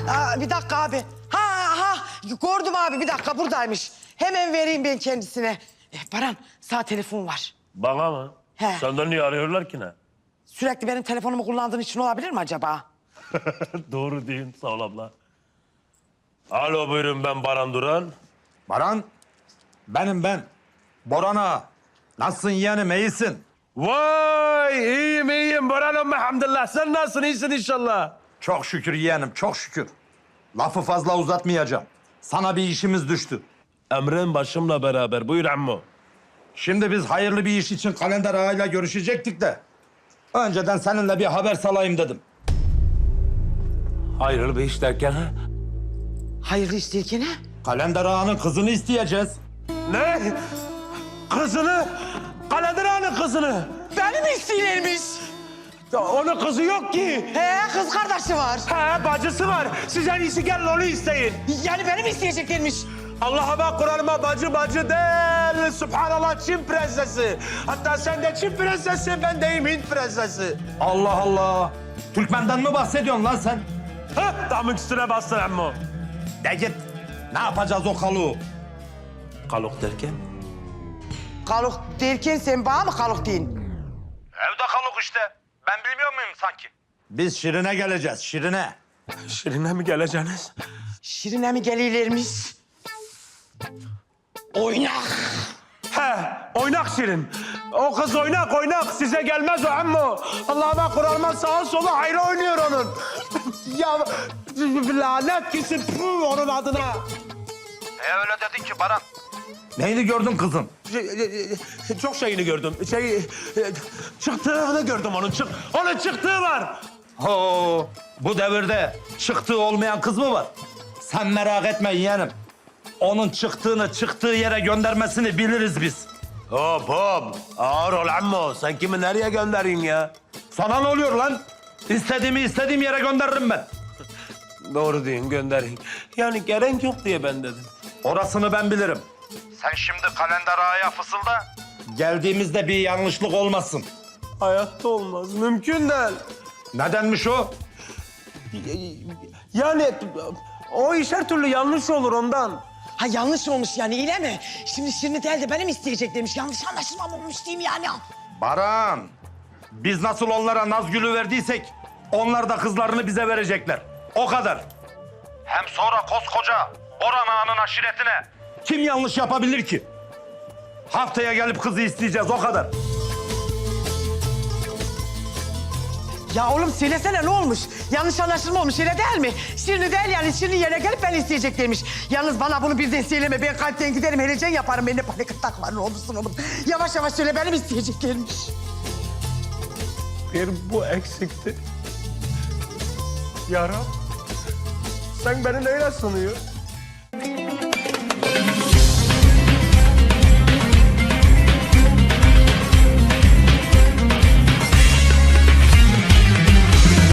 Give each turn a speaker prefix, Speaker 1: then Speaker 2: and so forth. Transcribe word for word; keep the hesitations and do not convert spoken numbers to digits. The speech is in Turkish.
Speaker 1: Aa, bir dakika abi. Ha ha gördüm abi bir dakika buradaymış. Hemen vereyim ben kendisine. Eh, Baran sağ telefon var.
Speaker 2: Bana mı?
Speaker 1: He.
Speaker 2: Senden niye arıyorlar ki ne?
Speaker 1: Sürekli benim telefonumu kullandığın için olabilir mi acaba?
Speaker 2: Doğru değil, sağ ol abla. Alo buyurun, ben Baran Duran.
Speaker 3: Baran, benim ben. Boran ağa. Nasılsın yeğenim, iyisin?
Speaker 2: Vay, iyiyim iyiyim Baran'ım elhamdülillah. Sen nasılsın, iyisin inşallah?
Speaker 3: Çok şükür yeğenim, çok şükür. Lafı fazla uzatmayacağım. Sana bir işimiz düştü.
Speaker 2: Emrin başımla beraber, buyur ammo.
Speaker 3: Şimdi biz hayırlı bir iş için Kalender ağayla görüşecektik de... önceden seninle bir haber salayım dedim.
Speaker 2: Hayırlı bir iş derken ha?
Speaker 1: Hayırlı iş derken ha?
Speaker 3: Kalender ağanın kızını isteyeceğiz.
Speaker 2: Ne? Kızını? Kalender Ağa'nın kızını.
Speaker 1: Benim isteğilermiş.
Speaker 2: Onun kızı yok ki.
Speaker 1: He kız kardeşi var.
Speaker 2: He, bacısı var. Siz en iyisi gelin onu isteyin.
Speaker 1: Yani benim isteyeceklermiş.
Speaker 2: Allah'ıma Kur'an'ıma bacı bacı değil. Subhanallah Çin prensesi. Hatta sen de Çin prensesi, ben deyim Hint prensesi.
Speaker 3: Allah Allah! Türkmen'den mi bahsediyorsun lan sen?
Speaker 2: Hah, damın üstüne bastın ammo.
Speaker 3: De git. Ne yapacağız o kaluğu?
Speaker 2: Kalok derken?
Speaker 1: Kaluk derken sen bana mı kaluk deyin?
Speaker 3: Evde kaluk işte. Ben bilmiyor muyum sanki? Biz Şirin'e geleceğiz, Şirin'e.
Speaker 2: Şirin'e mi geleceksiniz?
Speaker 1: Şirine mi geliyorlarmış? Oynak.
Speaker 2: He, oynak Şirin. O kız oynak oynak. Size gelmez o ammo. Allah'ıma Kur'an'ıma sağa sola hayra oynuyor onun. Ya lanet gitsin puh, onun adına.
Speaker 3: E öyle dedin ki Baran. Neyini gördün kızın?
Speaker 2: Çok şeyini gördüm. Şey, çıktığını gördüm onun. Çık, onun çıktığı var.
Speaker 3: Ho, bu devirde çıktığı olmayan kız mı var? Sen merak etme yeğenim. Onun çıktığını çıktığı yere göndermesini biliriz biz.
Speaker 2: Hop hop. Ağır ol ammo. Sen kimi nereye göndereyim ya?
Speaker 3: Sana ne oluyor lan? İstediğimi istediğim yere gönderirim ben.
Speaker 2: Doğru deyin, göndereyim. Yani gerek yok diye ben dedim.
Speaker 3: Orasını ben bilirim. Sen şimdi Kalender ağaya fısılda. Geldiğimizde bir yanlışlık olmasın.
Speaker 2: Hayatta olmaz. Mümkün değil.
Speaker 3: Nedenmiş o?
Speaker 2: Yani o iş her türlü yanlış olur ondan.
Speaker 1: Ha yanlış olmuş yani öyle mi? Şimdi Şirin'i değil de benim isteyeceklermiş. Yanlış anlaşılma olmuş diyeyim yani.
Speaker 3: Baran, biz nasıl onlara naz gülü verdiysek... onlar da kızlarını bize verecekler. O kadar. Hem sonra koskoca Boran ağanın aşiretine... kim yanlış yapabilir ki? Haftaya gelip kızı isteyeceğiz, o kadar.
Speaker 1: Ya oğlum söylesene ne olmuş? Yanlış anlaşılma olmuş öyle değil mi? Şirin'i değil yani Şirin'in yerine gelip beni isteyeceklermiş. Yalnız bana bunu birden söyleme. Ben kalpten giderim heyecan yaparım. Bende panik atak var ne olursun oğlum. Yavaş yavaş söyle benim isteyeceklermiş.
Speaker 2: Bir bu eksikti. Ya Rab, sen beni neyle sanıyorsun?